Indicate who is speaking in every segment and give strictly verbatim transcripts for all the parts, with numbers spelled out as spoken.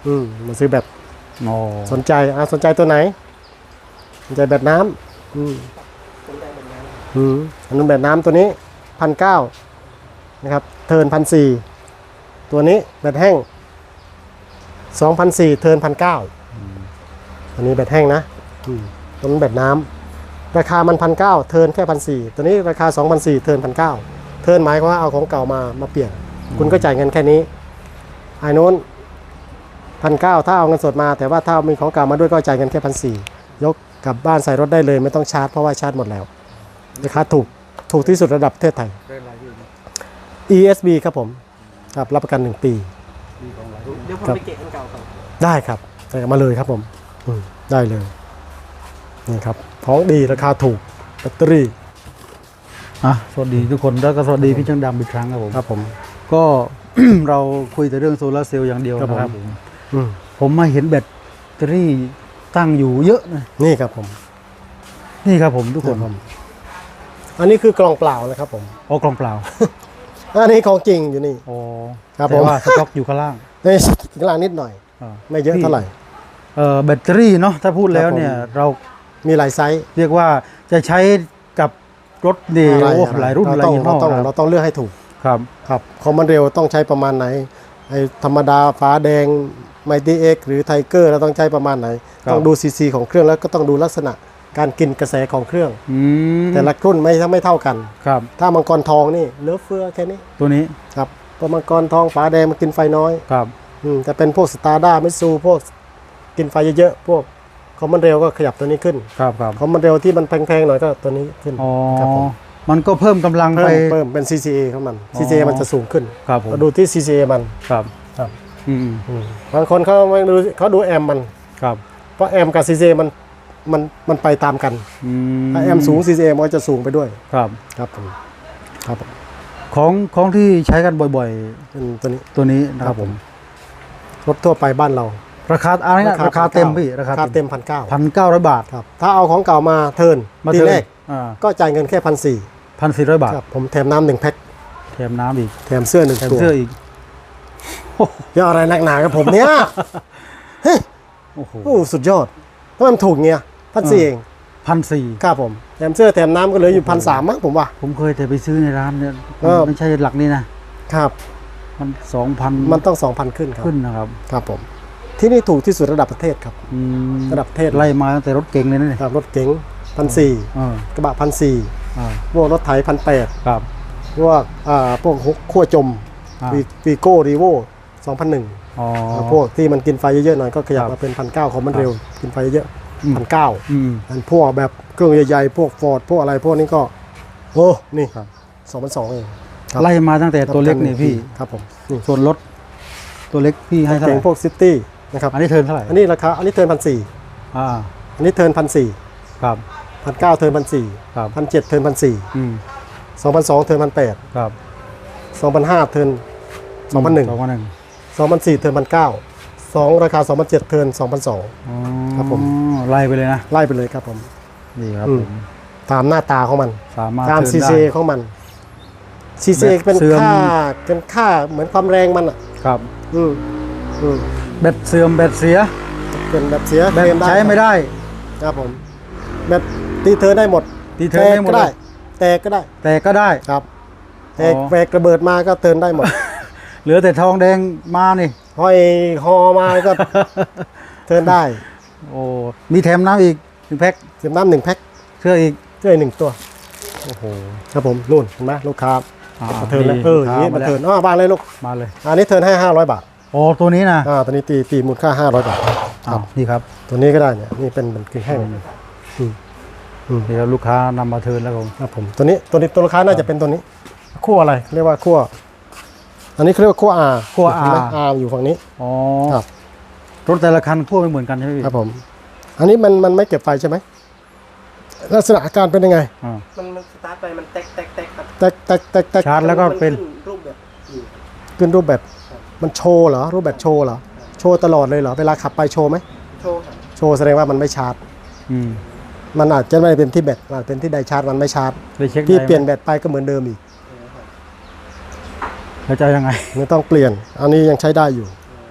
Speaker 1: อืมมาซื้อแบบ
Speaker 2: โอ้
Speaker 1: สนใจอ่ะสนใจตัวไหนสนใจแบบน้ำอืมอืมอันนู้นแบบน้ำตัวนี้พันเก้านะครับเทิร์นพันสี่ตัวนี้แบบแห้งสองพันสี่เทิร์นพันเก้าอันนี้แบบแห้งนะอืมตัวนั้นแบบน้ำราคามันพันเก้าเทิร์นแค่พันสี่ตัวนี้ราคาสองพันสี่เทิร์นพันเก้าเทิร์นหมายความว่าเอาของเก่ามามาเปลี่ยนคุณก็จ่ายเงินแค่นี้ไอ้นู้นพันเก้าถ้าเอาเงินสดมาแต่ว่าถ้ามีของเก่ามาด้วยก็จ่ายเงินแค่พันสี่ยกกลับบ้านใส่รถได้เลยไม่ต้องชาร์จเพราะว่าชาร์จหมดแล้วราคาถูกถูกที่สุดระดับประเทศไทย อี เอส บี ครับผมครับรับประกันหนึ่งปี
Speaker 3: เดี๋ยวผมไปเก็บอันเก่าก่อน
Speaker 1: ได้ครับใส่มาเลยครับผมได้เลยนี่ครับของดีราคาถูกแบตเตอรี่
Speaker 2: อ่ะสวัสดีทุกคนแล้วก็สวัสดีพี่ช่างดำอีกครั้งครับผม
Speaker 1: ครับผม
Speaker 2: ก็ เราคุยแต่เรื่องโซลาร์เซลล์อย่างเดียว
Speaker 1: ครับผม
Speaker 2: นะครับผม
Speaker 1: อืม
Speaker 2: ผมมาเห็นแบตเตอรี่ตั้งอยู่เยอะนะ
Speaker 1: นี่ครับผม
Speaker 2: นี่ครับผมทุกคน
Speaker 1: ครับผมอันนี้คือกล่องเปล่านะครับผม
Speaker 2: โอ้กล่องเปล่า
Speaker 1: อันนี้ของจริงอยู่นี่
Speaker 2: โอ้
Speaker 1: ครับ
Speaker 2: แต่
Speaker 1: ผม
Speaker 2: ว่าสต็อกอยู่ข้างล่าง
Speaker 1: นี่ข้างล่างนิดหน่อย
Speaker 2: อ่า
Speaker 1: ไม่เยอะเท่าไหร่
Speaker 2: เอ่อแบตเตอรี่เนาะถ้าพูดแล้วเนี่ย
Speaker 1: ครับผม
Speaker 2: เรา
Speaker 1: มีหลายไซส์
Speaker 2: เรียกว่าจะใช้กับรถดี
Speaker 1: อะไร
Speaker 2: โอ้
Speaker 1: อะไร
Speaker 2: หลายรุ่นห
Speaker 1: เรา
Speaker 2: ลาย
Speaker 1: ต้อง
Speaker 2: ยี่ห้
Speaker 1: เรา
Speaker 2: อ
Speaker 1: ต้อง
Speaker 2: ค
Speaker 1: เรา
Speaker 2: รับ
Speaker 1: ต้องเลือกให้ถูก
Speaker 2: ครับ
Speaker 1: ครับคอมมานเร็วต้องใช้ประมาณไหนไอ้ธรรมดาฟ้าแดงไมตี้เอ็กหรือไทเกอร์เราต้องใช้ประมาณไหน
Speaker 2: ครับ
Speaker 1: ต้องดูซีซีของเครื่องแล้วก็ต้องดูลักษณะการกินกระแสของเครื่อง
Speaker 2: อืม
Speaker 1: แต่ละรุ่นไม่ไม่เท่ากัน
Speaker 2: ครับ
Speaker 1: ถ้ามังกรทองนี่เหลือเฟือแค่นี้
Speaker 2: ตัวนี้
Speaker 1: ครับเพราะมังกรทองฟ้าแดงมันกินไฟน้อย
Speaker 2: ครับ
Speaker 1: อืมแต่เป็นพวกสตาร์ด้ามิซูพวกกินไฟเยอะๆพวกคอมมานเร็วก็ขยับตัวนี้ขึ้น
Speaker 2: ครับครับ
Speaker 1: คอมมานเร็วที่มันแพงๆหน่อยก็ตัวนี้ขึ้น
Speaker 2: อ๋อ
Speaker 1: ครับผม
Speaker 2: มันก็เพิ่มกำลัง
Speaker 1: เพิ่
Speaker 2: ไป
Speaker 1: มเพิ่มเป็น ซี ซี เอ ของมัน
Speaker 2: อ๋อ
Speaker 1: ซี ซี เอ มันจะสูงขึ้น
Speaker 2: ครับผม
Speaker 1: เราดูที่ ซี ซี เอ มัน
Speaker 2: ครับ
Speaker 1: ครับ
Speaker 2: อืม
Speaker 1: อืมบางคนเขาไม่ดูเขาดูแอมมัน
Speaker 2: ครับ
Speaker 1: เพราะแอมกับ ซี ซี เอ มันมันมันไปตามกัน
Speaker 2: อืม
Speaker 1: ถ้าแอมสูง ซี ซี เอ มันก็จะสูงไปด้วย
Speaker 2: ครับ
Speaker 1: ครับผมครับผม
Speaker 2: ของของที่ใช้กันบ่อย
Speaker 1: เป็นตัวนี้
Speaker 2: ๆ ตัวนี้นะครับผม
Speaker 1: รถทั่วไปบ้านเรา
Speaker 2: ราคาอะไรนะราคาเต็มพี่ราคา
Speaker 1: เต็มพันเก้า
Speaker 2: พันเก้าร้อยบาท
Speaker 1: ครับถ้าเอาของเก่ามาเทิร์น
Speaker 2: มา
Speaker 1: ที
Speaker 2: เทิร์น
Speaker 1: แรก
Speaker 2: อ่า
Speaker 1: ก็จ่ายเงินแค่พันสี่
Speaker 2: พันสี่ร้อยบาท
Speaker 1: ครับผมแถมน้ำหนึ่งแพ็ค
Speaker 2: แถมน้ำอีก
Speaker 1: แถมเสื้อหนึ่ง
Speaker 2: แถม
Speaker 1: ตัว
Speaker 2: เสื้ออีก
Speaker 1: เยอะอะไรนักหนากับผมเนี่ย
Speaker 2: โอ้โห
Speaker 1: โอ้สุดยอดทำไมมันถูกเงี้ยพันสี่เอง
Speaker 2: พันสี่
Speaker 1: ครับผมแถมเสื้อแถมน้ำก็เหลืออยู่พันสามมั้งผมว่า
Speaker 2: ผมเคยแต่ไปซื้อในร้านเนี่ย
Speaker 1: เออ
Speaker 2: ไม่ใช่หลักนี่นะครับ มันสองพัน
Speaker 1: มันต้องสองพันขึ้นครับ
Speaker 2: ขึ้นนะครับ
Speaker 1: ครับผมที่นี่ถูกที่สุดระดับประเทศครับ
Speaker 2: อืม
Speaker 1: ระดับประเทศ
Speaker 2: ไล่มาตั้งแต่รถเก๋งเลยนะเนี่ย
Speaker 1: ครับรถเก๋งพันสี่
Speaker 2: เออก
Speaker 1: ระบะพันสี่
Speaker 2: อ่า
Speaker 1: พวกรถไถพันแปด
Speaker 2: ครับ
Speaker 1: พวกอ่าพวกฮุกขั้วจม
Speaker 2: อ่า
Speaker 1: วีโก้รีโวสองพันหนึ่ง
Speaker 2: อ๋อ
Speaker 1: พวกที่มันกินไฟเยอะๆหน่อยก็ขยับ
Speaker 2: ครับ
Speaker 1: มาเป็นพันเก้าของมันเร็วกินไฟเยอะ
Speaker 2: อืม
Speaker 1: พันเก้า
Speaker 2: อืม
Speaker 1: อันพวกแบบเครื่องใหญ่ๆพวกฟอร์ดพวกอะไรพวกนี้ก็โอ้นี่
Speaker 2: ครับ
Speaker 1: สองพันสองเองครับ
Speaker 2: ไล่มาตั้งแต่ตัวเล็กนี่พี่
Speaker 1: ครับผมนี่
Speaker 2: ส่วนรถตัวเล็กพี่ให้เท่าไห
Speaker 1: เก่ง
Speaker 2: ร่
Speaker 1: พวกซิตี้นะครับ
Speaker 2: อันนี้เทิร์นเท่าไหร่
Speaker 1: อันนี้ราคาอันนี้เทิร์นพันสี่
Speaker 2: อ่า
Speaker 1: อันนี้เทิร์นพันสี่
Speaker 2: ครับ
Speaker 1: พันเก้าเทิร์นพันสี่
Speaker 2: ครับ
Speaker 1: พันเจ็ดเทิร์นพันสี่
Speaker 2: อืม
Speaker 1: สองพันสองเทิร์นพันแปด
Speaker 2: ครับ
Speaker 1: สองพันห้าเทิร์นสองพันหนึ่ง
Speaker 2: สองพันหนึ่ง
Speaker 1: สองพันสี่เทิร์นพันเก้าสองราคาสองพันเจ็ดเทิร์นสองพันสอง
Speaker 2: อ๋อ
Speaker 1: ครับผม
Speaker 2: ไล่ไปเลยนะ
Speaker 1: ไล่ไปเลยครับผม
Speaker 2: นี่ครับ
Speaker 1: อืม
Speaker 2: ผม
Speaker 1: ตามหน้าตาของมัน
Speaker 2: สามารถ
Speaker 1: ตาม
Speaker 2: เทิ
Speaker 1: ซี
Speaker 2: ร์น
Speaker 1: ซี
Speaker 2: ได้
Speaker 1: ของมันซีซี
Speaker 2: แบบ
Speaker 1: เป็น
Speaker 2: เสื่อม
Speaker 1: ค่าเป็นค่าเหมือนความแรงมันอ่ะ
Speaker 2: ครับ
Speaker 1: อืมอืม
Speaker 2: แบตเสื่อมแบตเสีย
Speaker 1: เป็นแบบเสีย
Speaker 2: แบต
Speaker 1: เคลมได้
Speaker 2: ใช้ไม่ได้
Speaker 1: ครับผมแบบตีเธอได้หมด
Speaker 2: ตีเทิร์นได้หมด
Speaker 1: แตกก็
Speaker 2: เล
Speaker 1: ได้
Speaker 2: ย
Speaker 1: แตกก็ได้
Speaker 2: แต่ก็ได้
Speaker 1: ครับแตก
Speaker 2: อ๋อ
Speaker 1: แตกระเบิดมาก็เทิร์นได้หมด
Speaker 2: เหลือแต่ทองแดงมานี่
Speaker 1: ห้อยคอมาก็ เทิร์นได้
Speaker 2: โอ้มีแถมน้ำอีกหนึ่งแพ็ค
Speaker 1: เสียบน้ำหนึ่งแพ็ค
Speaker 2: เสื้ออีก
Speaker 1: เสื้อหนึ่งตัว
Speaker 2: โอ้โห
Speaker 1: ครับผมนู่นเห็นไหมลูกค้า
Speaker 2: อ่า
Speaker 1: มาเทิร์นแล้ว
Speaker 2: ดี
Speaker 1: เอออย่างนี้
Speaker 2: มา
Speaker 1: มา
Speaker 2: แล้ว
Speaker 1: เทิร์นอ๋อบ้านเลยลูก
Speaker 2: มาเลย
Speaker 1: อันนี้เทิร์นให้ห้าร้อยบาท
Speaker 2: โอ้ตัวนี้นะ
Speaker 1: อ่าตัวนี้ตีตีมูลค่าห้าร้อยบาท
Speaker 2: อ้าวนี่ครับ
Speaker 1: ตัวนี้ก็ได้เนี่ยนี่เป็นเป็นกึ่งแห้งอืมอืม
Speaker 2: นี่ครับลูกค้านำมาเทิร์นแล้วผม
Speaker 1: ครับผมตัวนี้ตัวนี้ตัวลูกค้าน่าจะเป็นตัวนี้ขั้วอะไรเรียกว่าขั้วอันนี้เขาเรียกว่าขั้ว R
Speaker 2: ขั้ว
Speaker 1: เห็นไหม
Speaker 2: R
Speaker 1: R อยู่ฝั่งนี้
Speaker 2: อ๋อ
Speaker 1: ครับ
Speaker 2: รถแต่ละคันขั้วไม่เหมือนกันใช่ไหมพี่
Speaker 1: ครับผม อันนี้มันมันไม่เก็บไฟใช่ไหมลักษณะอาการเป็นยังไง
Speaker 2: อ่า
Speaker 3: มันมันสตาร์ทไปมันแตกแตกแตกครับ
Speaker 1: แตกแตกแตกแตก
Speaker 2: ชาร์จแล้วก็เป็น
Speaker 3: มัขึ้รูปแบบอืม
Speaker 1: ขึ้นรูปแบบมันโชว์เหรอรูปแบบโชว์เหรอโชว์ตลอดเลยเหรอเวลาขับไปโชว์ไหม
Speaker 3: โชว์ครับ
Speaker 1: โชว์แสดงว่ามันไม่ชาร์จ
Speaker 2: อืม
Speaker 1: มันอาจจะไม่ได้เป็นที่แบตอาจเป็นที่ไดชาร์จมันไม่ชาร์จ
Speaker 2: ไปเช็ค
Speaker 1: ที่
Speaker 2: ได้ไหม
Speaker 1: เปลี่ยนแบตไปก็เหมือนเดิมอีก
Speaker 2: แล้วจะยังไง
Speaker 1: ไม่ต้องเปลี่ยน อันนี้ยังใช้ได้อยู่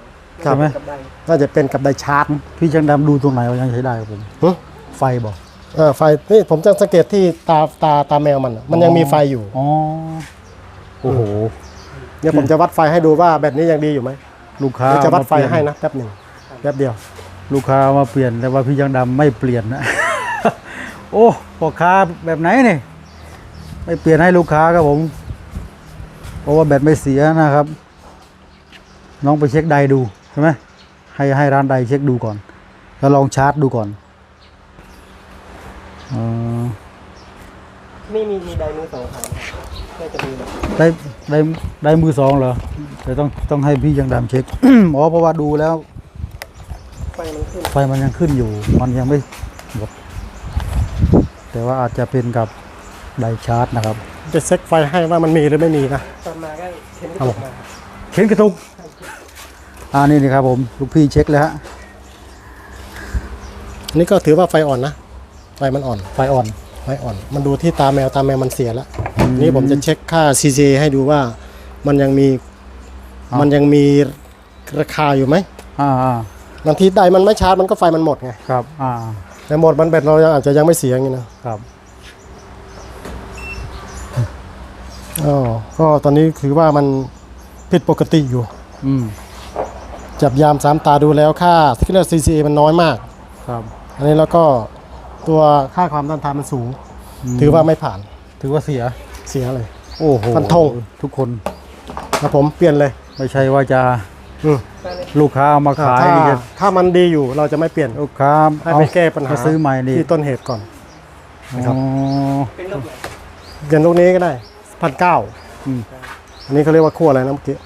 Speaker 1: ครั
Speaker 2: ใช่
Speaker 1: บ
Speaker 2: ไหม
Speaker 3: กับใด
Speaker 1: น่าจะเป็นกับไดชาร์จ
Speaker 2: พี่ช่างดำดูตรงไหนว่ายังใช้ได้ครับผม
Speaker 1: หึ
Speaker 2: ไฟบอก
Speaker 1: เออไฟนี่ผมจะสังเกตที่ตาตาตาแมวมันอะมันยังมีไฟอยู่
Speaker 2: อ๋อโอ้โห
Speaker 1: เดี๋ยวผมจะวัดไฟให้ดูว่าแบตนี้ยังดีอยู่ไหม
Speaker 2: ลูกค้า
Speaker 1: เดี๋ยวจะวัดไฟ
Speaker 2: มาเปลี่ยน
Speaker 1: ให้นะแป๊บหนึ่งแป๊บเดียว
Speaker 2: ลูกค้ามาเปลี่ยนแต่ว่าพี่ช่างดำไม่เปลี่ยนนะ โอ้พ่อค้าแบบไหนเนี่ยไม่เปลี่ยนให้ลูกค้าครับผม เพราะว่าแบตไม่เสียนะครับ น้องไปเช็คไดดูใช่ไหมให้ให้ร้านไดเช็คดูก่อน แล้วลองชาร์จดูก่อนเออ
Speaker 3: นี่มีมีใดมือสองขายก็จะมีแบบ
Speaker 2: ได้ได้ได้มือสองเหรอแต่ต้องต้องให้พี่ยังดำเช็ค อ๋อเพราะว่าดูแล้ว
Speaker 3: ไฟมันขึ้น
Speaker 2: ไฟมันยังขึ้นอยู่ มันยังไม่หมดแต่ว่าอาจจะเป็นกับไดชาร์จนะครับ
Speaker 1: จะเช็คไฟให้ว่ามันมีหรือไม่มีนะ
Speaker 3: ตอนมาก็เข็นกระ
Speaker 1: ครับ
Speaker 3: จ
Speaker 1: ผ
Speaker 3: ก
Speaker 1: ม
Speaker 3: มา
Speaker 2: เข็นกระตุกอ่านี่นี่ครับผมลูกพี่เช็คแล้วฮะ
Speaker 1: อันนี้ก็ถือว่าไฟอ่อนนะไฟมันอ่อน
Speaker 2: ไฟอ่อน
Speaker 1: ไฟอ่อน มันดูที่ตาแมวตาแมวมันเสียแล้วนี่ผมจะเช็คค่า ซี ซี ให้ดูว่ามันยังมีมันยังมีราคาอยู่ไหม
Speaker 2: อ่าอ่า
Speaker 1: บางทีไดมันไม่ชาร์จมันก็ไฟมันหมดไง
Speaker 2: ครับอ่า
Speaker 1: แต่หมดมันแบตเรายังอาจจะยังไม่เสียอย่างนี้นะครับ อ๋อก็ตอนนี้คือว่ามันผิดปกติอยู่
Speaker 2: อืม
Speaker 1: จับยามสามตาดูแล้วค่าที่เรียก ซี ซี มันน้อยมาก
Speaker 2: ครับ
Speaker 1: อันนี้แล้วก็ตัวค่าความต้านทานมันสูง ถือว่าไม่ผ่าน
Speaker 2: ถือว่าเสีย
Speaker 1: เสียเลย
Speaker 2: โอ้โห
Speaker 1: ฟันธง
Speaker 2: ทุกคน
Speaker 1: ครับผมเปลี่ยนเลย
Speaker 2: ไม่ใช่ว่าจะ
Speaker 1: อืม
Speaker 2: ลูกค้าเอามาขาย
Speaker 1: ถ้า
Speaker 2: นี่จะ
Speaker 1: ถ้ามันดีอยู่เราจะไม่เปลี่ยน
Speaker 2: ลูกค้า
Speaker 1: ให้
Speaker 2: เอา
Speaker 1: ไปแก้ปัญหา
Speaker 2: มาซื้อใหม่นี่
Speaker 1: ที่ต้นเหตุก่อน นะครับ
Speaker 2: อ๋อ
Speaker 3: เป็นรูปไหน
Speaker 1: เปลี่ยนลูกนี้ก็ได้พันเก้า
Speaker 2: อืม
Speaker 1: อันนี้เขาเรียกว่าขั้วอะไรนะเมื่อกี้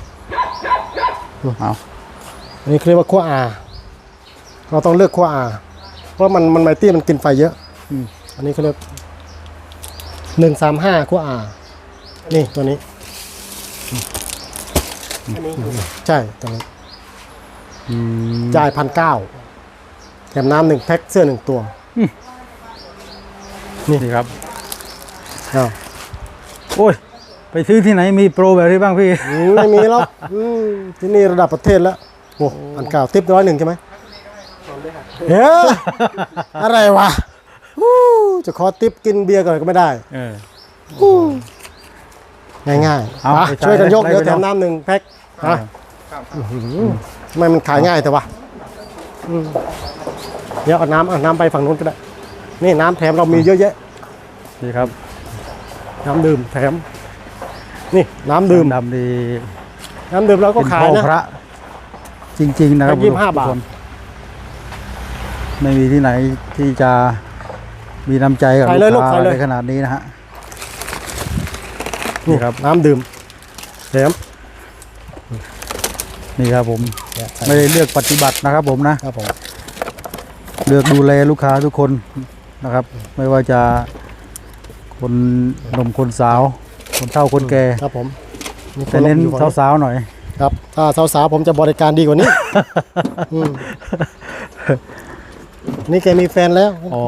Speaker 2: เอา
Speaker 1: อันนี้เขาเรียกว่าขั้ว R เราต้องเลือกขั้ว R เพราะมันมันไมตี้มันกินไฟเยอะ
Speaker 2: อืม
Speaker 1: อันนี้เขาเรียกหนึ่งสามห้าขั้ว R นี่ตัวนี้
Speaker 3: อันนี้อยู่
Speaker 1: ใช่ตัวนี้
Speaker 2: อืม
Speaker 1: จ่ายพันเก้าแถมน้ำหนึ่งแพ็คเสื้อหนึ่งตัว
Speaker 2: นี่ครับ
Speaker 1: อ้าว
Speaker 2: โอ้ย ไปซื้อที่ไหนมีโปรแบบนี้บ้างพี่
Speaker 1: อืมไม่มีแล้วอืมที่นี่ระดับประเทศแล้วโอ้พันเก้าทิปร้อยหนึ่งใช่ไหม
Speaker 3: พร้อมด้วยค่ะ
Speaker 1: เฮ้ยอะไรวะอู้จะขอทิปกินเบียร์ก่อนก็ไม่ได้
Speaker 2: เออ
Speaker 1: ง่ายๆ
Speaker 2: เอา
Speaker 1: มา
Speaker 2: ไปจ่าย
Speaker 1: ช่วยกันยก
Speaker 2: ไล่
Speaker 1: เดี๋ยว
Speaker 2: ไป
Speaker 1: แถ
Speaker 2: เนาะ
Speaker 1: มน้ำหนึ่งแพ็คฮะทำไมมันขายง่ายแต่วะอืมเดี๋ยวเอาน้ำเอาน้ำไปฝั่งนู้นก็ได้ นี่น้ำแถมเรามีเยอะแยะ
Speaker 2: นี่ครับ
Speaker 1: น้ำดื่มแถม นี่น้ำดื่ม
Speaker 2: ดำดี
Speaker 1: น้ำดื่มเราก็
Speaker 2: เป็น
Speaker 1: ขา
Speaker 2: พ่
Speaker 1: ย
Speaker 2: อ
Speaker 1: นะ
Speaker 2: พระ จริง ๆ นะครับ
Speaker 1: แพ็คยี่สิบห้า
Speaker 2: ทุก
Speaker 1: บาท
Speaker 2: คนไม่มีที่ไหนที่จะมีน้ำใจกับ
Speaker 1: ใส่เลย
Speaker 2: ลูกค้า
Speaker 1: ลูกใส่เลย
Speaker 2: ในขนาดนี้นะฮะ
Speaker 1: นี่
Speaker 2: นี่ครับ
Speaker 1: น้ำดื่มแถม
Speaker 2: นี่ครับผม ไม่ได้เลือกปฏิบัตินะครับผมนะ
Speaker 1: ครับผม
Speaker 2: เลือกดูแลลูกค้าทุกคนนะครับ ไม่ว่าจะคนหนุ่มคนสาว คนเฒ่าคนแก่
Speaker 1: ครับผมมีค
Speaker 2: แต่เน้น
Speaker 1: อยู่ฝั่ง
Speaker 2: สาวๆหน่อย
Speaker 1: ครับถ้าสาวๆผมจะบริการดีกว่านี้ อืมนี่แกมีแฟนแล้ว
Speaker 2: อ๋อ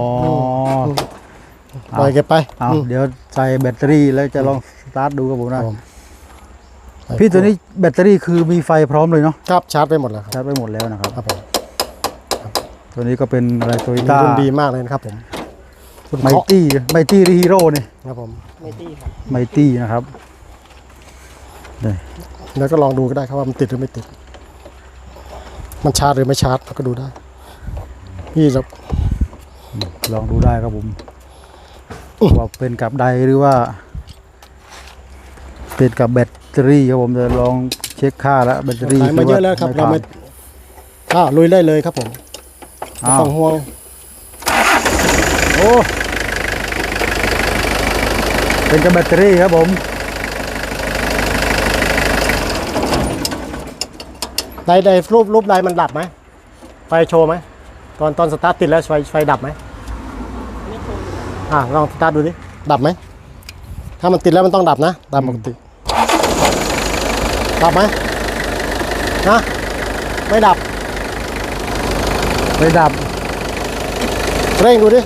Speaker 1: ปล่อยแกไป
Speaker 2: เอา
Speaker 1: อืม
Speaker 2: เดี๋ยวใส่แบตเตอรี่แล้วจะลองสตาร์ทดูครับผม
Speaker 1: ครั
Speaker 2: นะ
Speaker 1: บผม
Speaker 2: พี่ตัวนี้แบตเตอรี่คือมีไฟพร้อมเลยเนาะ
Speaker 1: ครับชาร์จไปหมดแล้วครับ
Speaker 2: ชาร์จไปหมดแล้วนะครับ
Speaker 1: ครับผม
Speaker 2: ตัวนี้ก็เป็นอะไรโตโย
Speaker 1: มี
Speaker 2: ต้า
Speaker 1: รุ่นดีมากเลยนะครับผมคุณ
Speaker 2: ไม
Speaker 1: เคาะ
Speaker 2: ตี้ไมตี้ฮีโร่นี่
Speaker 1: ครับผม
Speaker 3: ไม่ตี้ครับ
Speaker 2: ไมตี้นะครับนี่
Speaker 1: แล้วก็ลองดูก็ได้ครับว่ามันติดหรือไม่ติด มันชาร์จหรือไม่ชาร์จเราก็ดูได้พี่จะ
Speaker 2: ลองดูได้ครับผมว่าเป็นกับใดหรือว่า เป็นกับแบตเตอรี่ครับผมจะลองเช็คค่าแล้วแบตเตอรี่
Speaker 1: ขายมาเยอะแล้วครับ เราไม่
Speaker 2: ผ่น
Speaker 1: อ้าวลุยได้เลยครับผมไม่
Speaker 2: อ้าว
Speaker 1: ต้องห่วง
Speaker 2: โอ้เป็นกับแบตเตอรี่ครับผม
Speaker 1: ไดไดรูปรูปไดมันดับไหมไฟโชว์ไหมตอนตอนสตาร์ทติดแล้วไฟไฟดับไหมอ่าลองสตาร์ทดูดิดับไหมถ้ามันติดแล้วมันต้องดับนะตามปกติดับไหมนะไม่ดับ
Speaker 2: ไม่ดับ
Speaker 1: เร่งดูดิ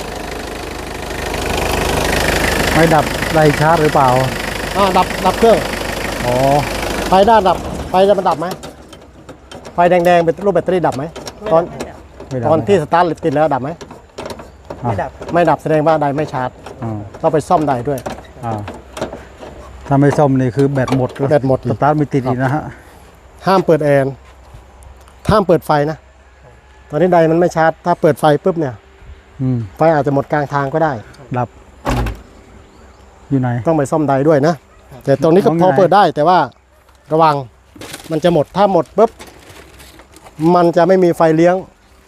Speaker 2: ไม่ดับไล่ชาร์จหรือเปล่า
Speaker 1: อ่าดับดับเครื่อง
Speaker 2: อ๋อ
Speaker 1: ไฟด้านดับไฟจะมันดับไหมไฟแดงๆเป็นรูปแบตเตอรี่ดับไหมตอน
Speaker 3: ไม่ดับ
Speaker 2: ไม่ดับ
Speaker 1: ตอนที่สตาร์ทติดแล้วดับไหม
Speaker 3: ไม่ดับ
Speaker 1: ไม่ดับแสดงว่าไดไม่ชาร์จ
Speaker 2: อ่า
Speaker 1: ต้องไปซ่อมไดด้วย
Speaker 2: อ่าถ้าไม่ซ่อมนี่คือแบตหมด
Speaker 1: แบตหมดอี
Speaker 2: ส
Speaker 1: ก
Speaker 2: ตาร์ทไม่ติดอีกนะฮะ
Speaker 1: ห้ามเปิดแอร์ห้ามเปิดไฟนะ ตอนนี้ไดมันไม่ชาร์จ ถ้าเปิดไฟปุ๊บเนี่ย
Speaker 2: อืม
Speaker 1: ไฟอาจจะหมดกลางทางก็ได้
Speaker 2: ดับอืมอยู่ไหน
Speaker 1: ต้องไปซ่อมไดด้วยนะ แต่ตรงนี้ก็
Speaker 2: ของ
Speaker 1: พอ
Speaker 2: ไหน
Speaker 1: เปิดได้แต่ว่าระวังมันจะหมดถ้าหมดปุ๊บมันจะไม่มีไฟเลี้ยง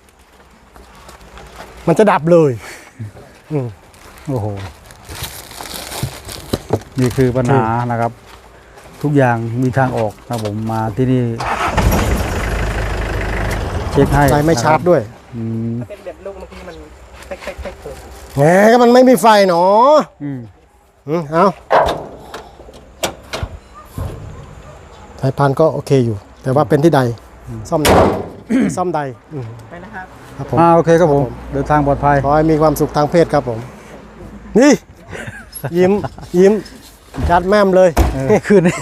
Speaker 1: มันจะดับเลยอืม
Speaker 2: โอ้โห นี่คือปัญหานะครับ ทุกอย่างมีทางออกนะผมมาที่นี่ เช็คให้
Speaker 1: ไฟไม่ชาร์จ
Speaker 2: นะคบ
Speaker 1: ด้วย
Speaker 2: อืม
Speaker 3: เป็นแบบลูกบางทีมันเป๊กเป๊กเป๊กเปิด
Speaker 1: แหมก็มันไม่มีไฟเนาะ
Speaker 2: อืม
Speaker 1: อืมเอาสายพานก็โอเคอยู่ แต่ว่าเป็นที่ใด ซ่อมใด ซ่อมใดอืม
Speaker 3: ไปนะครับ
Speaker 1: ครับผม
Speaker 2: อ่าโอเคครับผม
Speaker 1: ครับผม
Speaker 2: เดินทางปลอดภัย
Speaker 1: ขอให้มีความสุขทางเพศครับผม นี่ ยิ้ม ยิ้ม จัดแม่มเลย
Speaker 2: เออคืนนี้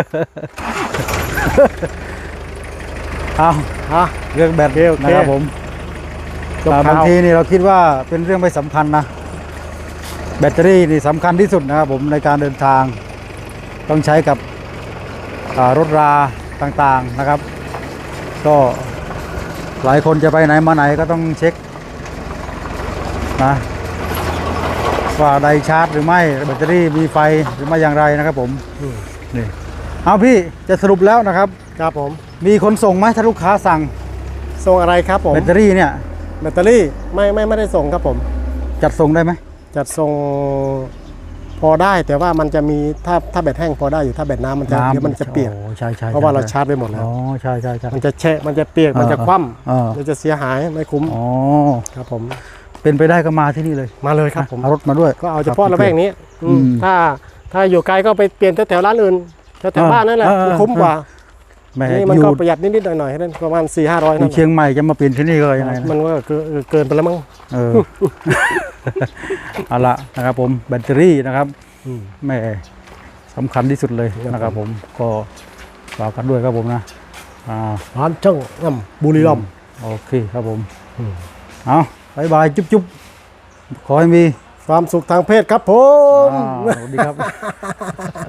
Speaker 2: เอา
Speaker 1: อ่ะ
Speaker 2: เรื่องแบต
Speaker 1: โอเคโอเค
Speaker 2: นะครับผม
Speaker 1: จบ
Speaker 2: อ่า
Speaker 1: ข่าว
Speaker 2: บางทีนี่เราคิดว่าเป็นเรื่องไม่สำคัญนะ แบตเตอรี่นี่สำคัญที่สุดนะครับผมในการเดินทาง ต้องใช้กับอ่ารถราต่างๆนะครับ ก็หลายคนจะไปไหนมาไหนก็ต้องเช็คนะว่าไดชาร์จหรือไม่แบตเตอรี่มีไฟหรือไม่อย่างไรนะครับผมนี่เอาพี่จะสรุปแล้วนะครับ
Speaker 1: ครับผม
Speaker 2: มีคนส่งไหมถ้าลูกค้าสั่ง
Speaker 1: ส่งอะไรครับผม
Speaker 2: แบตเตอรี่เนี่ย
Speaker 1: แบตเตอรี่ไม่ไม่ไม่ได้ส่งครับผม
Speaker 2: จัดส่งได้ไหม
Speaker 1: จัดส่งพอได้แต่ว่ามันจะมีถ้าถ้าแบตแห้งพอได้อยู่ถ้าแบตน้ำมันจะเดี๋ยวมันจะเปียก
Speaker 2: โอ้ใช่ใช่
Speaker 1: เพราะว่าเรา
Speaker 2: ใช่
Speaker 1: ชาร์จไปหมดแล้ว
Speaker 2: อ๋อใช่ใช่ใช่
Speaker 1: มันจะแฉะมันจะเปียกมันจะคว่
Speaker 2: เออ
Speaker 1: ำมันจะเสียหายไม่คุ้ม
Speaker 2: อ๋อ
Speaker 1: ครับผม
Speaker 2: เป็นไปได้ก็มาที่นี่เลย
Speaker 1: มาเลยครับผม
Speaker 2: เอารถมาด้วย
Speaker 1: ก็เอาเฉพาะระแวกนี้อืม
Speaker 2: อืม
Speaker 1: ถ้าถ้าอยู่ไกลก็ไปเปลี่ยนแถวๆร้านอื่นแถว
Speaker 2: เออ
Speaker 1: ๆบ้านนั่นแหละ
Speaker 2: เออเออ
Speaker 1: มันคุ้มกว่า
Speaker 2: แหม่
Speaker 1: นี่มัน
Speaker 2: อยู่
Speaker 1: ก็ประหยัดนิดๆหน่อยๆนั่นประมาณสี่ห้าร้อย
Speaker 2: อ
Speaker 1: นั่
Speaker 2: ยู่
Speaker 1: น
Speaker 2: เชียงใหม่จะมาเปลี่ยนที่นี่ก็ยังไงนะ
Speaker 1: มันก็เกินเกินไปแล้วมั้ง
Speaker 2: เออ เอาละนะครับผมแบตเตอรี่นะครับแหม่สำคัญที่สุดเลยนะครับผมก็ฝากกันด้วยครับผมนะอ่า
Speaker 1: ร้านช่างน้ำบุรีรัมย์
Speaker 2: โอเคครับผมเอาบายบายจุ๊บจุ๊บขอให้มี
Speaker 1: ความสุขทางเพศครับผม
Speaker 2: อ่าสวัสดีครับ